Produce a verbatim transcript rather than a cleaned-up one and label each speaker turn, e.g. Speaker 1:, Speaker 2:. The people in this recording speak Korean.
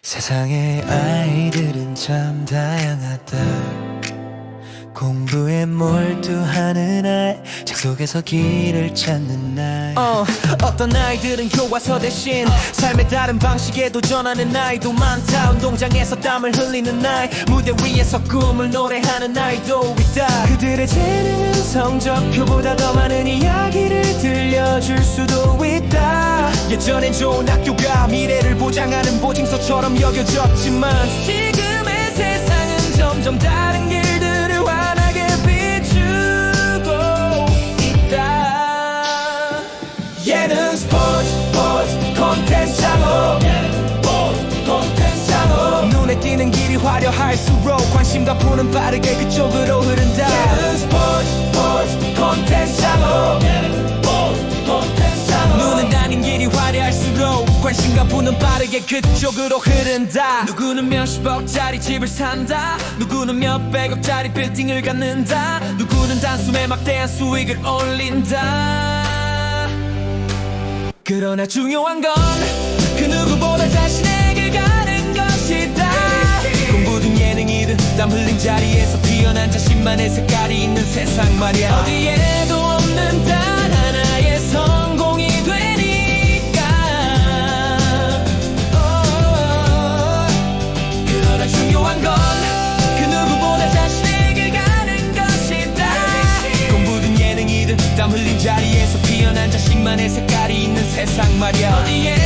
Speaker 1: 세상의 아이들은 참 다양하다. 공부에 몰두하는 아이, 책 속에서 길을 찾는 아이.
Speaker 2: 어, 어떤 아이들은 교과서 대신 삶의 다른 방식에 도전하는 아이도 많다. 운동장에서 땀을 흘리는 아이, 무대 위에서 꿈을 노래하는 아이도 있다. 그들의 재능은 성적표보다 더 많은 이야기를 들려줄 수도 있다. 예전엔 좋은 학교가 미래를 보장하는 보증서처럼 여겨졌지만 지금의 세상은 점점 다른 길들을 환하게 비추고 있다. 예능 스포츠 스포츠 콘텐츠 창업, 콘텐츠 창업. 눈에 띄는 길이 화려할수록 관심과 푸는 빠르게 그쪽으로 흐른다. 예능 스포츠 스포츠 콘텐츠 창업, 콘텐츠 창업. 눈은 다닌 길이 화려할수록 관심과 푸는 빠르게 그쪽으로 흐른다. 누구는 몇십억짜리 집을 산다. 누구는 몇백억짜리 빌딩을 갖는다. 누구는 단숨에 막대한 수익을 올린다. 그러나 중요한 건 그 누구보다 자신의 길 가는 것이다. 공부든 예능이든 땀 흘린 자리에서 피어난 자신만의 색깔이 있는 세상 말이야. 어디에도 없는 단 하나의 성공이 되니까. oh, 그러나 중요한 건 그 누구보다 자신의 길 가는 것이다. 공부든 예능이든 땀 흘린 자리에서 피어난 자신만의 색깔이 있는 세상 말이야. 어디에